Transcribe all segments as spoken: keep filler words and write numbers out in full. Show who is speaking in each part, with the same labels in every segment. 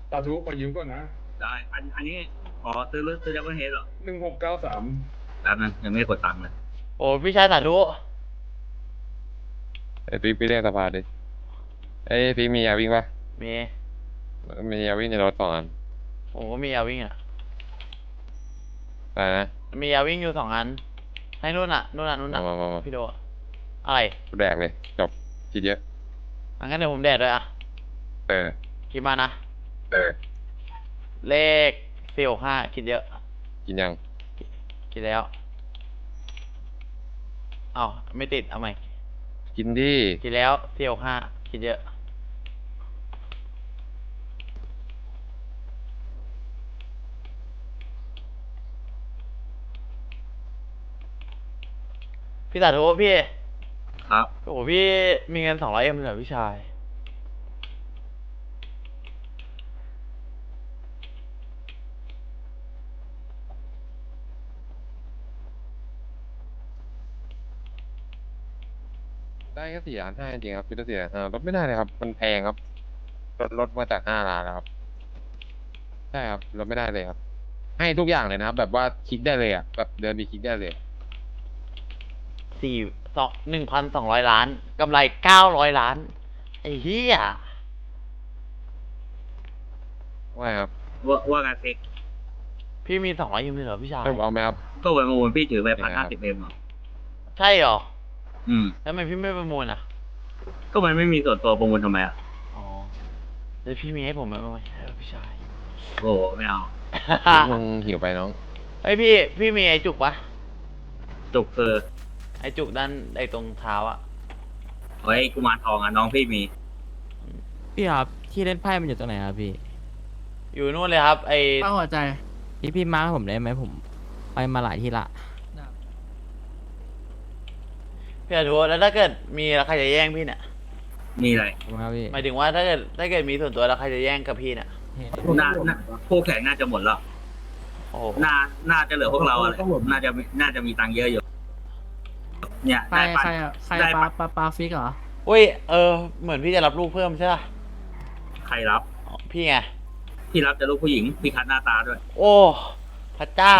Speaker 1: สาธุขอยืมก่อนนะ
Speaker 2: ได้อันอันนี้อ๋อซื้อรถซื้อดับเบิลเฮดเหรอ
Speaker 1: หนึ่งหกเก้าสาม
Speaker 2: แป๊บนึงยังไม่ได้กดตังค์เลย
Speaker 3: โอ้พี่ชายสาธุ
Speaker 4: ไอ้ปิ๊กไปเรียกสภาดิไอ้ยปิ๊กมียาวิ่งปะ
Speaker 3: มี
Speaker 4: มียาวิ่งในรถสองอัน
Speaker 3: ผมก็มียาวิ่งอ่ะ
Speaker 4: อะไรนะ
Speaker 3: มียาวิ่งอยู่สองอันให้นู่นอ่ะนู่นอ่ะนู่นอ่ะ
Speaker 4: มามามา
Speaker 3: พี่โดอะไร
Speaker 4: แดกเลยจบคิดเยอะ
Speaker 3: งั้นเดี๋ยวผมแดดด้วยอ่ะ
Speaker 4: เออ
Speaker 3: คิดมานะ
Speaker 4: เออ
Speaker 3: เลขสี่หกห้าคิดเยอะ
Speaker 4: กินยัง
Speaker 3: คิดแล้วเอ้าไม่ติดเอาใหม่
Speaker 4: กินดิ
Speaker 3: คิดแล้วสี่หกห้าคิดเยอะพี่สาธุพี่
Speaker 2: ครับ
Speaker 3: โอ้โหพี่มีเงินสองร้อยเอ็มเหรอพี่ชาย
Speaker 4: ได้แค่สี่ล้านห้าจริงๆครับพี่ต้องสี่ล้านห้ารถไม่ได้เลยครับมันแพงครับรถรถมาจากห้าล้านแล้วครับใช่ครับรถไม่ได้เลยครับให้ทุกอย่างเลยนะครับแบบว่าคลิกได้เลยอ่ะแบบเดินไปคลิกได้เลย
Speaker 3: สี่สองหนึ่งพันสองร้อยล้านกำไรเก้าร้อยล้านไอ้เหี้ย
Speaker 4: ว่าครับ
Speaker 2: ว่าว่าการเซ็ก
Speaker 3: พี่มีสองร้อยยูนิตเหรอพี่ชาย
Speaker 4: ให้ผมเอาไหมครับ
Speaker 2: ก็ไปประมูลพี่ถือไปพันห้าสิบเอ็มเหรอ
Speaker 3: ใช่เหรอ
Speaker 2: อืม
Speaker 3: แล้วทำไมพี่ไม่ประมูลอ่ะ
Speaker 2: ก็มันไม่มีส่วนตัวประมูลทำไมอ่ะ
Speaker 3: อ๋อแล้วพี่มีให้ผมไหมไหมพี่ชาย
Speaker 2: โอ้ไม่เอา
Speaker 4: มึงหิวไปน้อง
Speaker 3: เฮ้ยพี่พี่มีไอ้จุกปะ
Speaker 2: จุกคือ
Speaker 3: ไอ้จุกด้านไอ้ตรงเท้าอะ
Speaker 2: ไว้กุมารทองอ่ะน้องพี่มี
Speaker 5: พี่ครับที่เล่นไพ่มันอยู่ตรงไหนครับพี่
Speaker 3: อยู่นู่นเลยครับไอ้
Speaker 5: ตั้งหัวใจพี่พี่มาร์คผมได้ไหมผมไปมาหลายที่ละ
Speaker 3: พี่อาทูแล้วถ้าเกิดมีแล้วใครจะแย่งพี่เนี่ย
Speaker 2: มีอะไร
Speaker 5: ครับพี่
Speaker 3: หมายถึงว่าถ้าเกิดถ้าเกิดมีส่วนตัวแล้วใครจะแย่งกับพี่เนี่ย
Speaker 2: น่าคู่แข่งน่าจะหมดแล้ว
Speaker 3: โอ้
Speaker 2: น่าน่าจะเหลือพวกเราอะไรน่าจะน่าจะมีตังค์เยอะอยู่เนี่ย
Speaker 5: ใครใครใครปลาปลาปลาฟิกเหรอ
Speaker 3: อุ้ยเออเหมือนพี่จะรับลูกเพิ่มใช่ป่ะ
Speaker 2: ใครรับ
Speaker 3: พี่ไง
Speaker 2: พี่รับจะลูกผู้หญิงพี่คัดหน้าตาด้วย
Speaker 3: โอ้พระเจ้า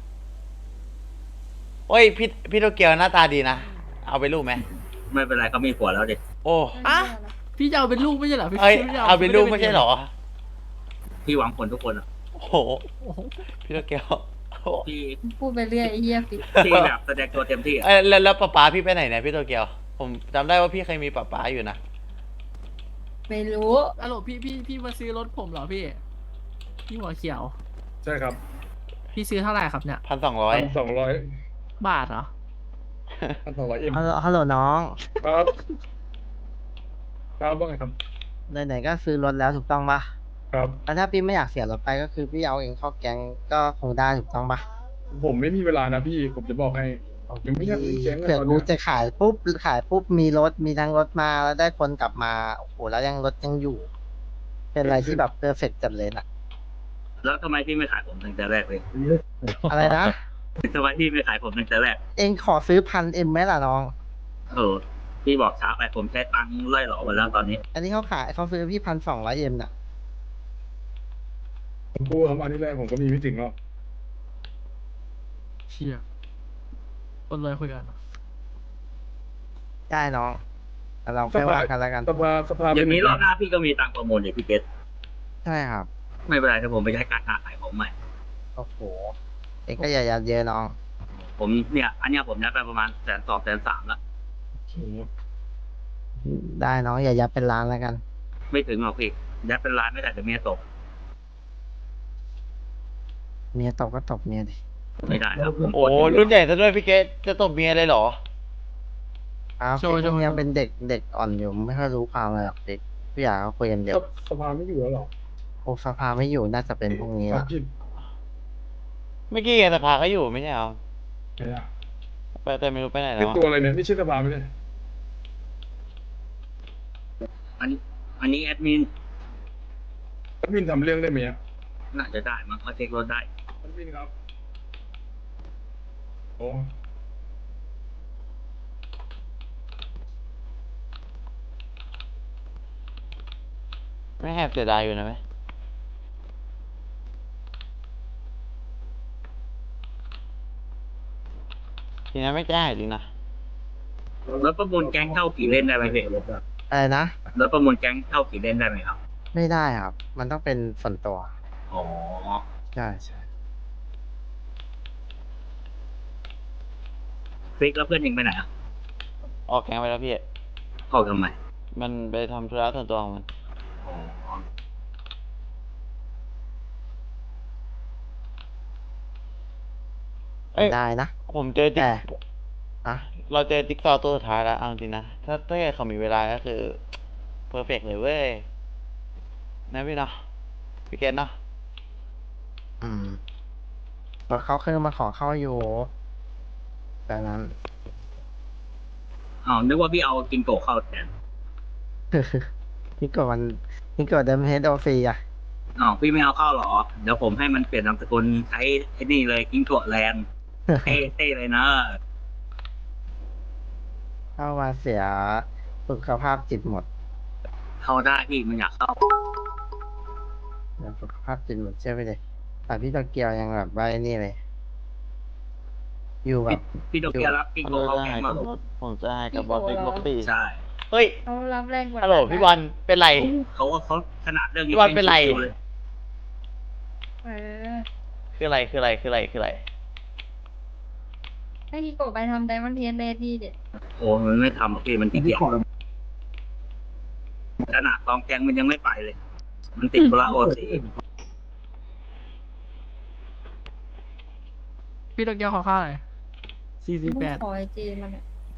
Speaker 3: โอ้ยพี่พี่โตเกียวหน้าตาดีนะเอาไปลูกไหม
Speaker 2: ไม่เป็นไรเขามีผัวแล้วเด็ก
Speaker 3: โอ้
Speaker 5: อะพี่จะเอาเป็นลูกไม่ใช่เหรอพี่
Speaker 3: เอาเป็นลูกไม่ใช่เหรอ
Speaker 2: พี่หวังผลทุกคนอ่ะ
Speaker 3: โอ้โหพี่โตเกียว
Speaker 2: พี่
Speaker 6: พูดไปเรื่อยไอ้เหี้ยฟิ
Speaker 2: พี่แบบแสดงตัวเต็มที่
Speaker 3: เออแล้วแล้วป๊าป๊าพี่ไปไหนเนี่ยพี่โตเกียวผมจำได้ว่าพี่เคยมีป๊าป๊าอยู่นะ
Speaker 6: ไม่รู้
Speaker 5: อะโหลพี่พี่พี่มาซื้อรถผมเหรอพี่พี่หัวเขียว
Speaker 1: ใช่ครับ
Speaker 5: พี่ซื้อเท่าไหร่ครับเนี่ย
Speaker 3: พันสองร้อย
Speaker 1: สองร้อย
Speaker 5: บาทเหรอ
Speaker 1: พันสองร้อยเอ็ม
Speaker 5: ฮัลโหลฮัลโหลน้อง
Speaker 1: ครับครับว่าไงครับ
Speaker 5: ไหนๆก็ซื้อรถแล้วถูกต้องปะ
Speaker 1: ครับ
Speaker 5: แล้วถ้าพี่ไม่อยากเสียรถไปก็คือพี่เอาเองเข้าแก๊งก็คงได้ถูกต้องปะ
Speaker 1: ผมไม่มีเวลานะพี่ผมจะบอกให้ยังไม่อยากมีแก๊ง
Speaker 5: เผื่อกูจะขายปุ๊บขายปุ๊บมีรถมีทั้งรถมาแล้วได้คนกลับมาโอ้โหแล้วยังรถยังอยู่ เป็นอะไรที่แบบเพอร์เฟกต์จัดเลยนะ
Speaker 2: แล้วทำไมพี่ไม่ขายผมตั้งแต่แรกเลย
Speaker 5: อะไรนะ
Speaker 2: ทำไมพี่ไม่ขายผมตั้งแต่แรก
Speaker 5: เองขอซื้อพันเอ็มไหมล่ะน้อง
Speaker 2: เออพี่บอกช้าไปผมใช้ตังค์ไล่หลอกมาแล้วตอนนี้
Speaker 5: อันนี้เขาขายเขาซื้อพี่พันสองร้อยเอ็มน่ะ
Speaker 1: ผมพูดคำอันนี้แรกผมก็มีไม่ถึงหรอก
Speaker 5: เชี่ยคนเลยคุยกันได้น้องเราแค่ว่ากันแล้วกัน
Speaker 1: สภาสภา
Speaker 2: อย่างนี้รอบหน้าพี่ก็มีตังค์ประมูลอย่างพี่เกต
Speaker 5: ใช่ครับ
Speaker 2: ไม่เป็นไรถ้าผมไปใช้การค้าขายผมใหม่
Speaker 5: โอ้โหเองก็อย่ายัดเยอะน้อง
Speaker 2: ผมเนี่ยอันเนี้ยผมยัดไปประมาณแสนสองแสนสามละ
Speaker 5: ได้น้องอย่ายัดเป็นล้านแล้วกัน
Speaker 2: ไม่ถึงหรอกพี่ยัดเป็นล้านไม่ได้แต่เมียตก
Speaker 5: เมียตกก็ตกเมียดิ
Speaker 2: ไม่ได้ครับ
Speaker 3: โอ้รุ่นใหญ่ซะด้วยพี่เกตจะตบเมียเลยเหรอ
Speaker 5: อ้าวช่วงนี้เป็นเด็กเด็กอ่อนอยู่ไม่ค่อยรู้ความอะไรหรอกเด็กพี่อยากเขาคุยกันเดี๋ยว
Speaker 1: สภาไม่อยู่แล้วหรอ
Speaker 5: โอ้สภาไม่อยู่น่าจะเป็นพวกนี้ละ
Speaker 3: เมื่อกี้ไงสภาก็อยู่ไม่ใช่เหรอไปแต่ไม่รู้ไปไหนแล้ว
Speaker 1: ตัวอะไรเนี่ยนี่ชื่อสภาไม่ใช่
Speaker 2: อันอันนี้แอดมิน
Speaker 1: แอดมินทำเรื่องได้ไหม
Speaker 2: น่าจะได้มั้งเขาเช็ครถได้
Speaker 1: แอดมินครับโอ้
Speaker 3: ไม่แอบเสียดายอยู่นะไหมทีนั้นไม่แจ้งจริงนะ
Speaker 2: รถประมูลแก๊งเข้ากี่เล่นได้ไหมพี่
Speaker 5: อะไรนะ
Speaker 2: รถประมูลแก๊งเข้ากี่เล่นได้ไหมครับ
Speaker 5: ไม่ได้ครับ มันต้องเป็นส่วนตัว
Speaker 2: อ๋อ
Speaker 5: ใช่ใช่
Speaker 2: ฟิกแล้วเพื่อนยิงไปไหนอ่ะ
Speaker 3: ออกแกงไปแล้วพี่
Speaker 2: เข้าทำไม
Speaker 3: มันไปทำธุระส่วนตัวของมัน
Speaker 2: อ๋อ
Speaker 3: เอ้ย
Speaker 5: ได้นะ
Speaker 3: ผมเจอติ๊ก
Speaker 5: แต่อะ
Speaker 3: เราเจอติ๊กซอว์ตัวสุดท้ายแล้วเอาจริงๆนะ ถ้าถ้าเกิดเขามีเวลาก็คือเพอร์เฟกเลยเว้ยนะพี่เนาะพี่เกตเนาะ
Speaker 5: อืมเพราะเขาเคยมาขอเข้าอยู่แต่นั้น
Speaker 2: อ๋อนึกว่าพี่เอากินโกะเข้าแทน
Speaker 5: นี่กดมันนี่กดเดิมเฮดโอฟรีอ่ะ
Speaker 2: อ๋อพี่ไม่เอาเข้าหรอ เดี๋ยวผมให้มันเปลี่ยนนามสกุลใช้ไอ้นี่เลยกินโกะแลนด์เท่เท่เลยนะ
Speaker 5: เข้ามาเสียสุขภาพจิตหมด
Speaker 2: เข้าได้พี่มันอยากเข้า
Speaker 5: เดี๋ยวสุขภาพจิตหมดเชื่อไปเลยแต่พี่โตเกียวยังแบบว่าไอ้นี่เลย อยู่แบบ
Speaker 2: พี่โตเกียวรับกิน
Speaker 3: ผม
Speaker 2: โกะเข้า
Speaker 3: จะ
Speaker 2: แก๊
Speaker 3: ให้
Speaker 2: งมา
Speaker 3: กับบอสผมจะให้กับบอสติ๊กบ็อกซี่
Speaker 2: ใช่
Speaker 3: เฮ้ย
Speaker 6: เขารับแรงกว่า
Speaker 3: ฮัลโหลพี่บอลเป็นไร
Speaker 2: เขาว่าเขาขนาดเรื่อง
Speaker 3: พี่บอลเป็นไร
Speaker 2: เลย
Speaker 6: เออ
Speaker 3: คืออะไรคืออะไรคืออะไรคืออะไร
Speaker 6: ให้กิโกะไปทำไดมอนด์เทนเลที่เด็ด
Speaker 2: โอ้มันไม่ทำหรอกพี่มันขี้เกียจขนาดกองแกงมันยังไม่ไปเลย มันติดธุระโอซี
Speaker 7: พี่โตเกียวขอข้าวหน่อยสี่สี่
Speaker 6: มึง
Speaker 7: แปด
Speaker 6: ขอไอจีมันอะ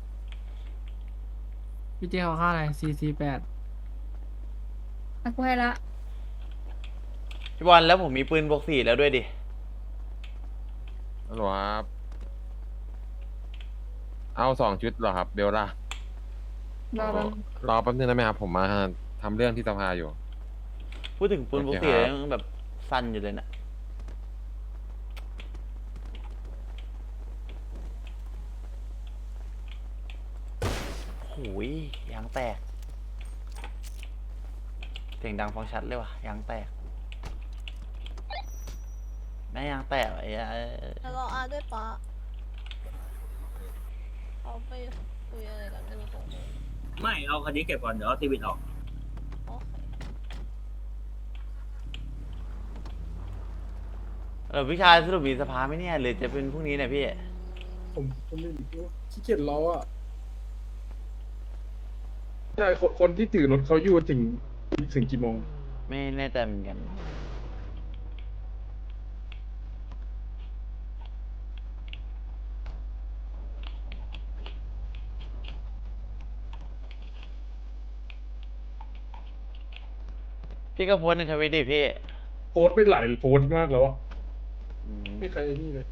Speaker 7: พี่เจขอข้าวหน่อยสี่สี่แปด
Speaker 6: อ่ะกูให้ละ
Speaker 3: พี่บอลแล้วผมมีปืนบวกสี่แล้วด้วยดิ
Speaker 4: ฮัลโหลครับ เอาสองชุดเหรอครับ เบลล่าร
Speaker 6: อแป๊บ
Speaker 4: รอแป๊บนึงได้ไหมครับ ผมมาทำเรื่องที่สภาอยู่
Speaker 3: พูดถึงปืนบวก
Speaker 4: โอเค
Speaker 3: สี่
Speaker 4: ครับ
Speaker 3: แล้วยังแบบสั้นอยู่เลยนะโอ้ยยางแตก เสียงดังฟังชัดเลยว่ะยางแตกแม่ยางแตกไอ้เอ้ย
Speaker 8: แล้วเราอาด้วยปะเขาไปคุยอะไรกันไม่รู้ตรงนี้
Speaker 2: ไม่เอาคันนี้เก็บก่อนเดี๋ยวเอาทีวีออก
Speaker 8: โอเค
Speaker 3: เออพี่ชายสรุปมีสภาไหมเนี่ยหรือจะเป็นพรุ่งนี้เนี่ยพี่
Speaker 1: ผมผมไม่รู้ขี้เกียจรออ่ะใช่คนคนที่ถือรถเขาอยู่ถึงถึงกี่โมง
Speaker 3: ไม่แน่ใจเหมือนกัน พี่ก็โพสต์ในทวิตดิพี่
Speaker 1: โพสต์ไปหลายโพสต์มากแล้วอ่ะ
Speaker 3: อืม
Speaker 1: ไม่ใครนี่เลย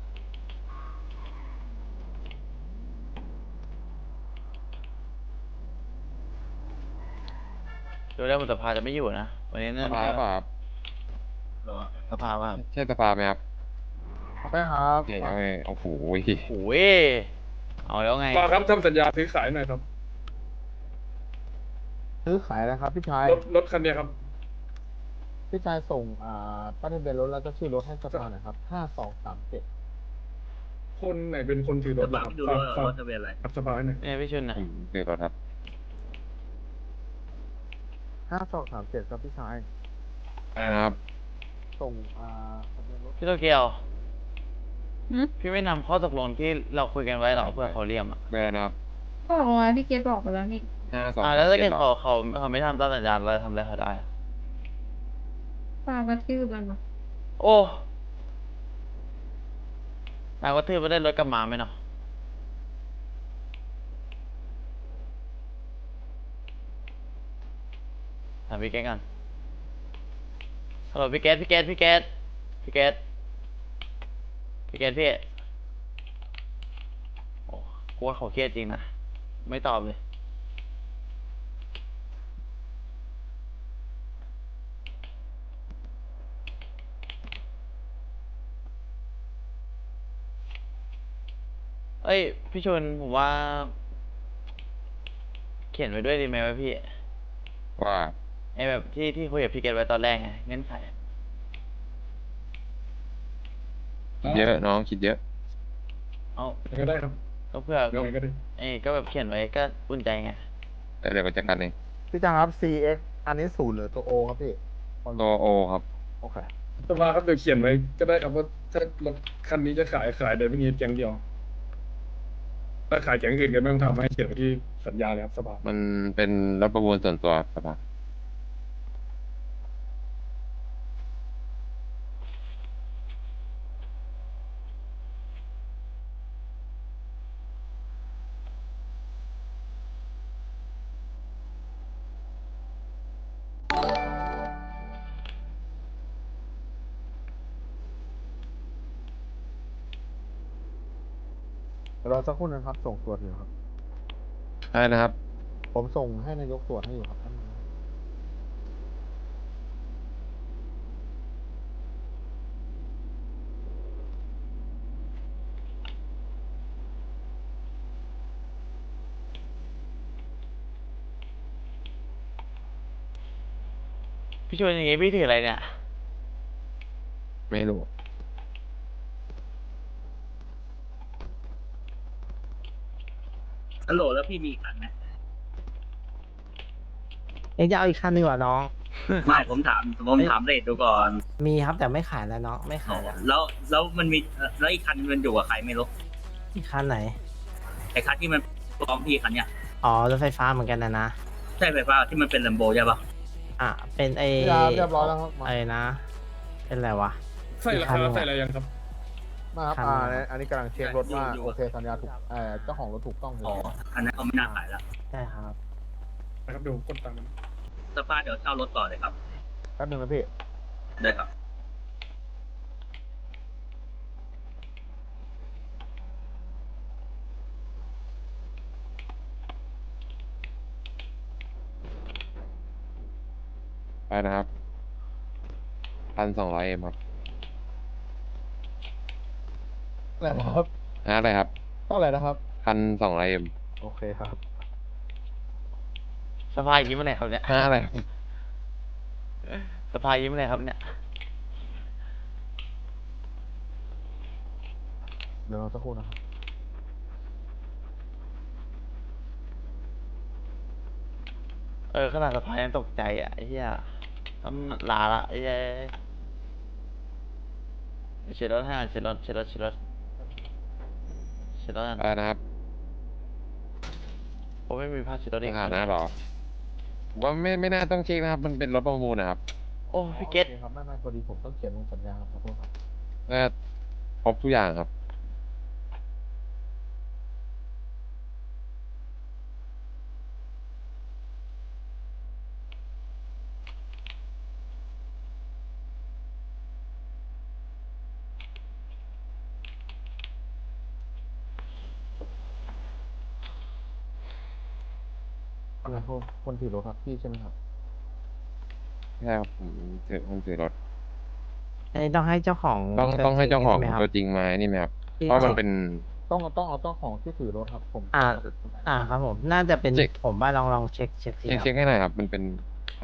Speaker 3: ดูแล้วมันสภาจะไม่อยู่นะ วันนี้
Speaker 4: ส
Speaker 3: น่า
Speaker 4: ภาเปล่าครับ
Speaker 3: สภาว่า
Speaker 4: ใช่สภาไหมครับ
Speaker 5: ไปครับ
Speaker 4: โอเคเอาไงโอ้โห
Speaker 3: โอ้ยเอาแล้วไง
Speaker 1: มาครับทำสัญญาซื้อขายหน่อยครับ
Speaker 9: ซื้อขายนะครับพี่ชาย
Speaker 1: รถรถคันเนี้ยครับ
Speaker 9: พี่ชายส่งอ่าป้ายทะเบียนรถแล้วก็ชื่อรถให้สภาหน่อยครับห้าสองสามเจ็ด
Speaker 1: คนไหนเป็นคนถือร
Speaker 2: จะ
Speaker 1: ถ
Speaker 2: บั
Speaker 1: นะ
Speaker 2: ง
Speaker 1: ครับ
Speaker 2: ดู
Speaker 1: ฝาก
Speaker 2: ว่า
Speaker 1: ฝาก
Speaker 2: รถทะเบียนอะไร
Speaker 1: กับสภาหน่อย
Speaker 3: เนี่ยพี่ชุนนะ
Speaker 4: ผมเดือดรถครับ
Speaker 9: ห้าสองสามเจ็ดครับพี่ชาย
Speaker 4: ได้นะครับ
Speaker 9: ส่งอ่าทะเบียนรถ
Speaker 3: พี่โตเกียว
Speaker 6: หึ
Speaker 3: พี่ไม่นำข้อตกลงที่เราคุยกันไว้หรอเพื่อเขาเรียมอ่ะ
Speaker 4: ได้นะครับ
Speaker 6: บอกมาพี่เกดบอกไปแล้วนี่
Speaker 4: ห้าสอง
Speaker 3: อ่าแล้วถ้าเกิด
Speaker 4: จ็ดหร
Speaker 3: เขา
Speaker 4: อ
Speaker 3: เขาเขาไม่ทำตามสัญญาเราจะทำอะไรเขาได้อะ
Speaker 6: ฝากกระทืบมันมา
Speaker 3: โอ้นายว่าทื่อไม่ได้รถกลับมาไหมเนาะถามพี่แก๊สกันฮัลโหลพี่แก๊สพี่แก๊สพี่แก๊สพี่แก๊สพี่แก๊สพี่โอ้กูว่าเขาเครียดจริงนะไม่ตอบเลยเอ้ยพี่ชนผมว่า เขียนไว้ด้วยดีไหมวะพี่
Speaker 4: ว่า
Speaker 3: ไอแบบที่ที่คุยกับพี่เกตไว้ตอนแรกไงเงื่อนไข
Speaker 4: คิดเยอะน้องคิดเยอะ
Speaker 3: อเอา
Speaker 1: ยังไงก็ได้ครับ
Speaker 3: ก็เพื่อ
Speaker 1: ยังไงก็ได้
Speaker 3: เอ้ยก็แบบเขียนไว้ก็อุ่นใจไง
Speaker 4: แต่เดี๋ยวไปจัดการเอง
Speaker 9: พี่จังครับ ซี เอ็กซ์ อันนี้ศูนย์หรือตัว O ครับพี่
Speaker 4: ตัวโอครับ
Speaker 9: โอเค
Speaker 1: สภาครับเดี๋ยวเขียนไว้ก็ได้ครับว่าถ้ารถคันนี้จะขายขายโดยไม่มีแก๊งเดียวถ้าขายแก๊งอื่นก็ไม่ต้องทำให้เขียนไว้ที่สัญญาเลยครับสภา
Speaker 4: มันเป็นรถประมูลส่วนตัวสภา
Speaker 9: รอสักครู่นะครับ ส่งตรวจอยู่ครับ
Speaker 4: ใช่นะครับ
Speaker 9: ผมส่งให้นายกตรวจให้อยู่ครับท่าน
Speaker 3: พี่ชวนอย่างงี้พี่ถืออะไรเนี่ย
Speaker 4: ไม่รู้
Speaker 2: ฮัลโหลแล้วพี่มีอีกคันไหม
Speaker 5: เอ็งจะเอาอีกคันหนึ่งเหรอน้อง
Speaker 2: ไม่ผมถามผมถามเรทดูก่อน
Speaker 5: มีครับแต่ไม่ขายแล้วน้องไม่ขายแล้ว
Speaker 2: แล้วแล้วมันมีแล้วอีกคันมันอยู่กับใครไม่รู้
Speaker 5: อีกคันไหน
Speaker 2: ไอ้คันที่มันพร้อมพี่คันเนี้ย
Speaker 5: อ๋อรถไฟฟ้าเหมือนกันนะนะ
Speaker 2: ใช่ไฟฟ้าที่มันเป็นลัมโบใช่ปะ
Speaker 5: อ่ะเป็นไอ
Speaker 9: เรียบเรียบร้อยแล้วครับมา
Speaker 5: ไอ้นะ เป็นอะไรวะ
Speaker 1: ใส่ราคาใส่อะไรยังครับ
Speaker 9: มาครับ
Speaker 5: คัน
Speaker 9: อ่าเนี่ยอันนี้กำลังเช็ครถว่า
Speaker 2: อยู่
Speaker 9: โอเคสัญญาถูกเอ่อเจ้าของรถถูกต้อง
Speaker 2: อ๋ออันนั้นเขาไม่น่าขายแล้ว
Speaker 5: ใช่ครับ
Speaker 1: นะครับเดี๋ยวผมกดตังค์มัน
Speaker 2: สภาเดี๋ยวเช่ารถต่อเลยครับ
Speaker 9: แป๊บนึงนะพี่
Speaker 2: ได้ครับ
Speaker 4: ไปนะครับพันสองร้อยเอ็มครับ
Speaker 9: อะไรนะครับ
Speaker 4: ฮะอะไรครับ
Speaker 9: เท่าไหร่นะครับ
Speaker 4: พันสองร้อยเอ็ม
Speaker 9: โอเคครับ
Speaker 3: สภายิ้มอะไรครับเนี่ย
Speaker 4: ฮะอะไรครับ
Speaker 3: สภายิ้มอะไรครับเนี่ย
Speaker 9: เดี๋ยวรอสักครู่นะครับ
Speaker 3: เออขนาดสภายังตกใจอ่ะไอ้เหี้ยต้องลาละไอ้เหี้ยเช็ดรถให้หน่อยเช็ดรถเช็ดรถเช็ดรถเช็ดรถกัน
Speaker 4: ไปนะครับ
Speaker 3: ผมไม่มีผ้าเช็ดรถ
Speaker 4: รา
Speaker 3: อีก
Speaker 4: คาหน้าหรอผมว่าไม่ไม่น่าต้องเช็คนะครับ มันเป็นรถประมูลนะครับ
Speaker 3: โอ้พี่เกต
Speaker 9: โอคครับไม่ไม่พอดีผมต้องเขียนลงสัญญาครับขอโทษครับ
Speaker 4: น่าครบทุกอย่างครับ
Speaker 9: อะไรคนคนถือรถครับพี่ใช่ไหมครับ
Speaker 4: ใช่ครับผมถือผมถือรถ
Speaker 5: อันนี้ต้องให้เจ้าของ
Speaker 4: ต้องต้องให้เจ้าของ
Speaker 5: ใช่ไหมครับ
Speaker 4: ตัวจริงมานี่ไหมครับ
Speaker 5: ที่
Speaker 4: เพราะมันเป็น
Speaker 9: ต้องต้องเอาเจ้าของที่ถือรถครับ ผม
Speaker 5: อ่า อ่าครับผม น่าจะเป็น
Speaker 4: เช็ค
Speaker 5: ผมว่าลองลองเช็คเช็คสิ
Speaker 4: เช็ค
Speaker 5: ค
Speaker 4: เช็
Speaker 5: รับ
Speaker 4: คให้หน่อยครับ มันเป็นใคร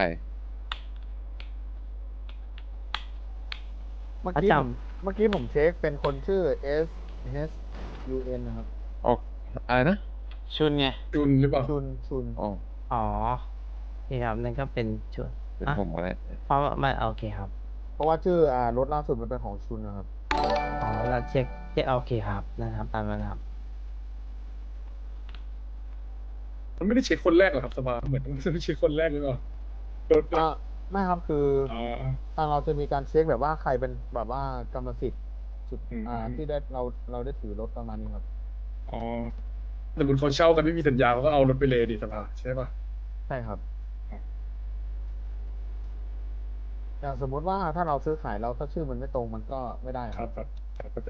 Speaker 9: เมื่อ
Speaker 5: ประ
Speaker 9: กี้
Speaker 5: จ
Speaker 9: ผมเมื่อกี้ผมเช็คเป็นคนชื่อ S H U N นะครับ
Speaker 4: โอ้อะไรนะ
Speaker 3: ชุนไง
Speaker 1: จุนหรือเปล่า
Speaker 9: ชุนชุน
Speaker 4: อ๋อ
Speaker 5: ำอ๋อ นี่ครับนั่นก็เป็นชุด
Speaker 4: เป็น
Speaker 5: อ่ะ
Speaker 4: ผมก็ได้
Speaker 5: เพราะว่าไม่โอเคครับ
Speaker 9: เพราะว่าชื่ออ่ารถล่าสุดมันเป็นของชุนนะครับ
Speaker 5: อ๋อเราเช็คเช็คโอเคครับนะครับตามนั้นครับ
Speaker 1: มันไม่ได้เช็คคนแรกหรอกครับสภาเหมือนมันไม่เช็คคนแรกหรือเปล่ารถ
Speaker 9: อ่าไม่ครับคือ
Speaker 1: อ๋อ
Speaker 9: ทางเราจะมีการเช็คแบบว่าใครเป็นแบบว่ากรรมสิทธิ์สุด
Speaker 1: อืม
Speaker 9: อ่าที่ได้เราเราได้ถือรถประมาณนี้ครับ
Speaker 1: อ๋อแต่บุญเขาเช่ากันไม่มีสัญญาเขาก็เอารถไปเลยดิสภาใช่ปะ
Speaker 9: ใช่ครับ อย่างสมมุติว่าถ้าเราซื้อขายเราถ้าชื่อมันไม่ตรงมันก็ไม่ได้
Speaker 1: ค
Speaker 9: ค
Speaker 1: รั
Speaker 9: รั
Speaker 1: บบ ครับครับเข้าใจ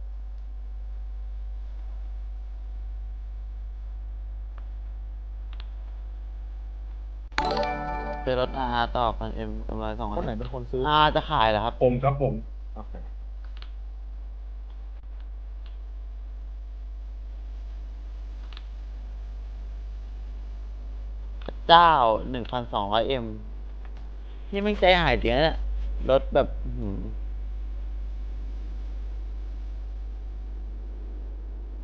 Speaker 3: เป็นรถอาร์ต่อพันเอ็มกำไรสอง
Speaker 9: คนไหนเป็นคนซื้อ
Speaker 3: อาร์จะขายเหรอครับ
Speaker 1: ผมครับผม
Speaker 9: โอเค
Speaker 3: เจ้าหนึ่งพันสองร้อยเอ็มที่ไม่งใจหายจริงนะเนี่ยรถแบบอื้อหือ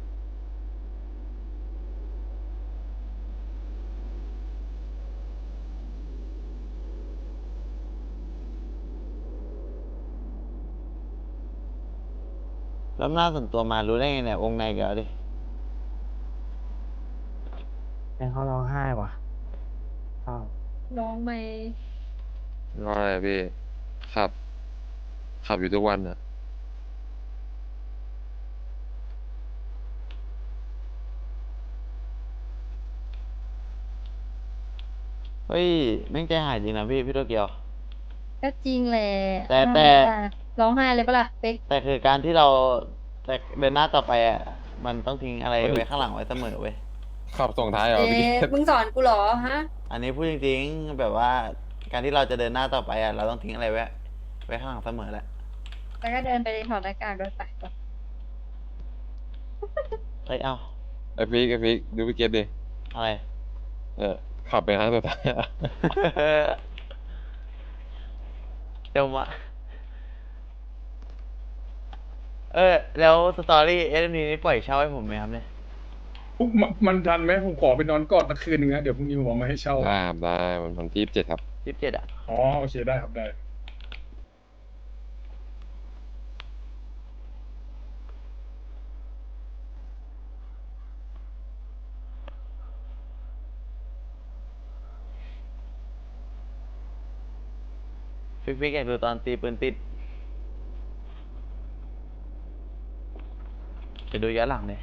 Speaker 3: แล้วหน้าส่วนตัวมารู้ได้ไงเนี่ยวงในเกี่ยวดิ
Speaker 5: แม่งเขาร้องไห้ว่ะเศร้า
Speaker 6: ร้องไหม
Speaker 4: รออะไรอะพี่ ขับ ขับอยู่ทุกวันอะ
Speaker 3: เฮ้ยแม่งใจหายจริงนะพี่พี่โตเกียว
Speaker 6: ก็จริงแหละ
Speaker 3: แต่แต่
Speaker 6: ร้องไห้เลยปะล่ะเป๊ก
Speaker 3: แต่คือการที่เราแต่เดินหน้าต่อไปอ่ะ มันต้องทิ้งอะไรไว้ข้างหลังไว้เสมอเว้ย
Speaker 4: ขับส่งท้ายเหรอ
Speaker 6: เอ๊
Speaker 4: พี่
Speaker 6: ะมึงสอนกูเหรอฮะ
Speaker 3: อันนี้พูดจริงๆแบบว่า การที่เราจะเดินหน้าต่อไปอ่ะ เราต้องทิ้งอะไรไว้ไว้ข้างหลังเสมอแหละ
Speaker 6: แล้วก็เดินไปถอดหน้ากากด้วยไปก่อน
Speaker 3: เอ้ยเอ้า
Speaker 4: ไอพี่ไอพี่ดูพี่เกตดิ
Speaker 3: อะไร
Speaker 4: เออ ขับไปครั้งสุดท้ายอะ
Speaker 3: เดี๋ยวมาเออ แล้วสตอรี่เอสนี้ปล่อยเช่าให้ผมไหมครับเนี่ย
Speaker 1: ปุ๊บมันมันทันไหมผมขอไปนอนกอดตะคืนนึงนะเดี๋ยวพรุ่งนี้ผมเอามาให้เช่า
Speaker 4: ได้ครับได้มันวันที่เจ็ดครับ
Speaker 3: ยี่สิบเจ็ดอ่ะ
Speaker 1: อ๋อโอเคได้ครับได้
Speaker 3: ฟิกฟิกอยากดูตอนตีปืนติดจะดูย้อนหลังเลย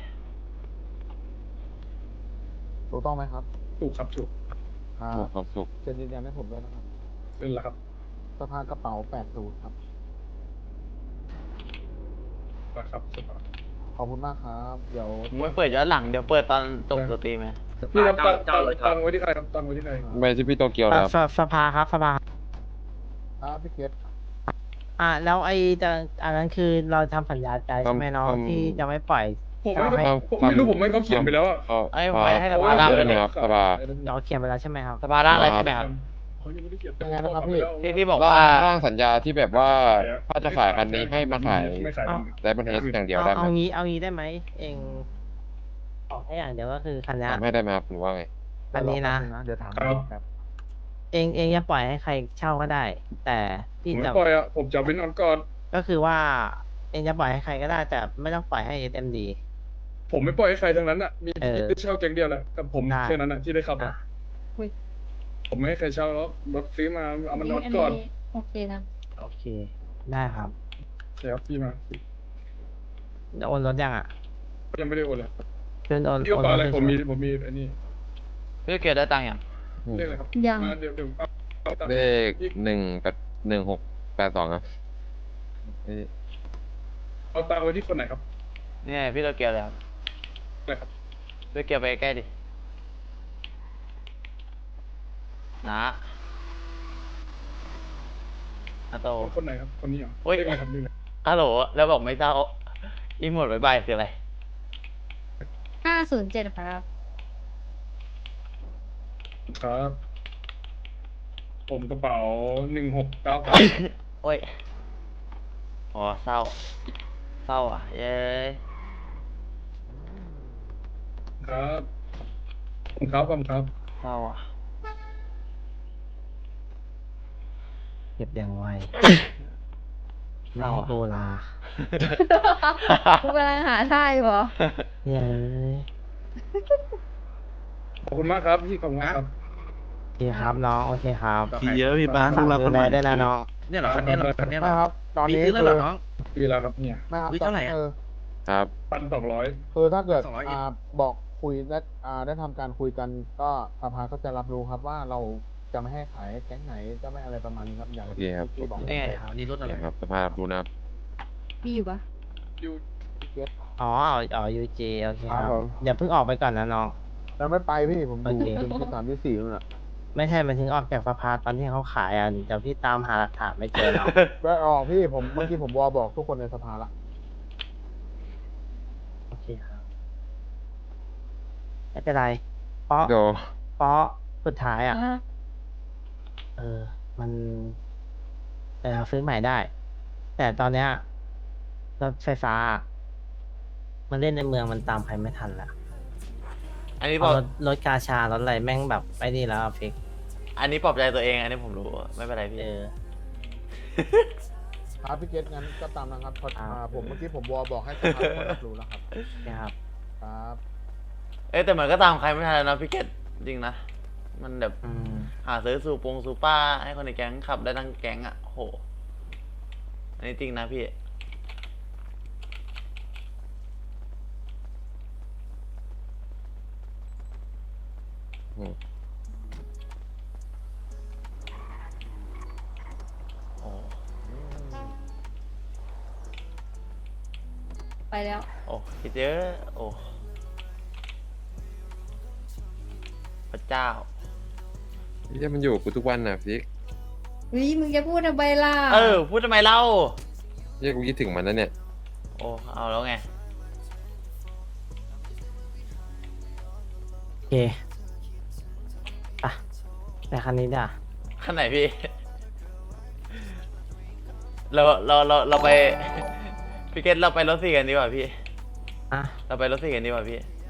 Speaker 9: ถูกต้องไหมครับ
Speaker 1: ถูกครับถูก
Speaker 9: อ่า
Speaker 4: ถูกครับถูก
Speaker 9: เซ็นยืนยันให้ผมด้วยนะครับ
Speaker 1: เป็นแล้วครับ
Speaker 9: สภากระเป๋าแปดศูนย์ครับ
Speaker 1: นะครับสบาย
Speaker 9: ขอบคุณมากครับ เดี๋ยว
Speaker 3: ผมไม่เปิดย้อนหลัง เดี๋ยวเปิดตอนจบสตรีมไหม
Speaker 1: พี่ครับตัง
Speaker 2: เจ้าเลยครับ
Speaker 1: ตังไว้ที่ใครครับตังไว้ที่ใคร
Speaker 4: ไม่ใช่พี่โตเกียวนะครับ
Speaker 5: สสภาครับสภา
Speaker 9: ครับพี่เกต
Speaker 5: อ่าแล้วไอ้จะอันนั้นคือเราทำสัญญาใจใช่ไหมน้อง
Speaker 4: ทำ
Speaker 5: ที่จะไม่ปล่อย
Speaker 1: ผมไม่
Speaker 5: เอาให้
Speaker 1: ผมไม่รู้ผมไม่เขาเขียนไปแล้วอะ
Speaker 4: เขา
Speaker 3: เอ้ยผมไม่ให้ส
Speaker 1: เพ
Speaker 3: ภา
Speaker 1: ระว่
Speaker 3: ร่าง
Speaker 4: ได้
Speaker 3: เลย
Speaker 4: ไหม
Speaker 3: เนี่ย
Speaker 4: ครับสภา
Speaker 5: เราเขียนไปแล้วใช่ไหมครับ
Speaker 3: สภาร่างอะไรใช่ไหมครับ
Speaker 1: เขายังไม่ได้เขียน
Speaker 9: ยังไงนะครับพี่
Speaker 3: ที่ที่บอก
Speaker 4: ร่า
Speaker 3: ว่า
Speaker 4: งร่างสัญญาที่แบบว่าถ้าจะขายคันนี้ให้มาขาย
Speaker 1: ไม่ขาย
Speaker 5: เอา
Speaker 4: ได้บันเทสอย่างเดียว
Speaker 5: เอา
Speaker 4: ได้ไหม
Speaker 5: เอางี้เอางี้ได้ไหมเองออกให้อย่างเดียวก็คือคันนี้
Speaker 4: ทำให้ได้ไหมครับหรือว่าไง
Speaker 5: อันนี้นะ
Speaker 9: เดี๋ยวถาม
Speaker 1: ครับ
Speaker 9: ครับ
Speaker 5: เองเองจะปล่อยให้ใครเช่าก็ได้ แต่
Speaker 1: ผ
Speaker 5: พี่
Speaker 1: มไม่
Speaker 5: จะ
Speaker 1: ปล่อยอะผมจะเอาไปนอนกอด
Speaker 5: ก็คือว่า เองจะปล่อยให้ใครก็ได้ แต่ไม่ต้องปล่อยให้ เอส เอ็ม ดี
Speaker 1: ผมไม่ปล่อยให้ใครทั้งนั้นอะมี
Speaker 5: เออ
Speaker 1: ที่เช่าแก๊งเดียวแหละกับผม
Speaker 5: ได้
Speaker 1: แค่นั้นอะที่ได้ขับ
Speaker 5: อ่ะ
Speaker 1: อะผมไม่ให้ใครเช่าแล้วรถซื้อมาเอามานอนกอด
Speaker 6: โอเคนะ
Speaker 5: โอเค ได้ครับ
Speaker 1: เดี๋ยวพี่มา
Speaker 5: โอนรถยังอ่ะ
Speaker 1: ยังไม่ได้โอนเลย
Speaker 5: เพื่อนโอน
Speaker 1: พี่กระเป๋าอะไร
Speaker 5: โนถ
Speaker 1: ผมมีผมมีอันนี้
Speaker 3: พี่โตเกียวได้ตังค์ยัง
Speaker 1: เรียกอะไรครับ
Speaker 6: ยัง
Speaker 1: มาเดี๋ยวเดี๋ยวเอาเอาตังค์
Speaker 4: เลขหนึ่งแปดหนึ่งหกแปดสองครับเอ้ย
Speaker 1: เอาตังค์ไว้ที่คนไหนครับ
Speaker 3: เนี่ยพี่โตเกียวเลยครับ
Speaker 1: อะไรครับ
Speaker 3: พี่โตเกียวไปใกล้ดินะอาโต
Speaker 1: คนไหนครับคนนี้เหรอ
Speaker 3: โอ้ย
Speaker 1: เรียกอะไรครับนี่เลย
Speaker 3: ฮัลโหลแล้วบอกไม่เศร้าอีหมดบายบายคืออะไร
Speaker 6: ห้าศูนย์เจ็ดครับ
Speaker 1: ครับ ผมกระเป๋าหนึ่งหกเก้า
Speaker 3: โอ้ยอ๋อเศร้า เศร้าอ่ะ เย้ย
Speaker 1: ครับผมครับผมครับ
Speaker 3: เศร้าอ่ะ
Speaker 5: เก็บอย่างไว
Speaker 3: เศร้า
Speaker 5: ไม่
Speaker 3: อ่ะ
Speaker 5: โบลา
Speaker 6: กูกำลังหาท่าอยู่เหรอ
Speaker 5: เย้ย
Speaker 1: ขอบคุณมากครับพี่ขอบคุณมากครับ
Speaker 5: โอเคครับน้อง โอเคครับ
Speaker 1: พี่เยอะพี่
Speaker 5: ฝากดูแลได้วยนะน้อง
Speaker 1: เนี่ยเหรอคันนี้เหรอคันนี้
Speaker 9: ไม่ครับ ตอนนี้คือ
Speaker 1: ปีแล้วครับเนี่ย
Speaker 9: ไม่ครับเท่าไหร่เออ
Speaker 4: ครับ
Speaker 1: พันสองร้อย
Speaker 9: คือถ้าเกิดอ่าบอกคุยได้อ่าได้ทำการคุยกัน ก็สภาก็จะรับรู้ครับว่าเราจะไม่ให้ขายแก๊งไหนจะไม่อะไรประมาณนี้ครับอย่าง
Speaker 4: โอเคครับ
Speaker 9: ที่บอก
Speaker 3: นี่ไง
Speaker 7: นี่รถ
Speaker 4: โอ
Speaker 7: อะ
Speaker 4: เค
Speaker 7: ไร
Speaker 4: ครับสภาพดูนะครับ
Speaker 6: มีอยู่ปะ
Speaker 1: อยู่
Speaker 5: อ๋อเอาอ๋อยูจีโอเคครับ
Speaker 9: ครับผม
Speaker 5: อย่าเพิ่งออกไปก่อนนะน้อง
Speaker 9: แล้วไม่ไปพี่ผมดู
Speaker 5: โอเค
Speaker 9: ถึงที่สามที่สี่นู่นแหละ
Speaker 5: ไม่ใช่มันถึงออกจากสภาตอนที่เขาขายอ่ะเดี๋ยวพี่ตามหาหลักฐานไม่เจอหรอก
Speaker 9: ไปออกพี่ผมเมื่อกี้ผมวอบอกทุกคนในสภาละ
Speaker 5: โอเคครับ ไม่เป็นไร เพราะ
Speaker 4: เดี๋ยว
Speaker 5: เพราะสุดท้ายอ่ะ
Speaker 6: อ่ะ
Speaker 5: เออ มันเออซื้อใหม่ได้ แต่ตอนเนี้ยรถไฟฟ้า มันเล่นในเมืองมันตามใครไม่ทันละ
Speaker 3: อันนี้บ
Speaker 5: เพ
Speaker 3: อก
Speaker 5: ราะรถรถกาชารถอะไรแม่งแบบไอ้นี่แล้วอะฟิก
Speaker 3: อันนี้ปลอบใจตัวเอง อันนี้ผมรู้ ไม่เป็นไรพี่
Speaker 5: เออ
Speaker 9: ครับพี่เกตงั้นก็ตามนะครับพอ
Speaker 5: ครับ
Speaker 9: อ่าผมเมื่อกี้ผมวอบอกให้สภาคนรับรู้แล้วครับ
Speaker 5: นะครับ
Speaker 9: ครับ
Speaker 3: เอ้ยแต่มันก็ตามใครไม่ทันแล้วนะพี่เกตจริงนะ มันแบบ
Speaker 5: อืม
Speaker 3: หาซื้อสูปงสูป้าให้คนในแก๊งขับได้ทั้งแก๊งอ่ะโห อันนี้จริงนะพี่
Speaker 4: โอ้
Speaker 3: โอ้
Speaker 6: ไปแล้ว
Speaker 3: โอ้คิดเยอะโอ้พระเจ้า
Speaker 4: เหี้ยมันอยู่กับกูทุกวันน่ะฟิก
Speaker 6: วิมึงจะพูดทำไมล่ะ
Speaker 3: เออ พูดทำไมเล่า
Speaker 4: เหี้ยกูคิดถึงมันนะเนี่ย
Speaker 3: โอ้ เอาแล้วไง
Speaker 5: โอเคอ่ะแต่คันนี้ด่ะ
Speaker 3: ขั้นไหนพี่ เราเราเราเราไป พี่เกตเราไปรถสี่กันดีกว่าพี่
Speaker 5: อ่ะ
Speaker 3: เราไปรถสี่กันดีกว่าพี่
Speaker 5: โ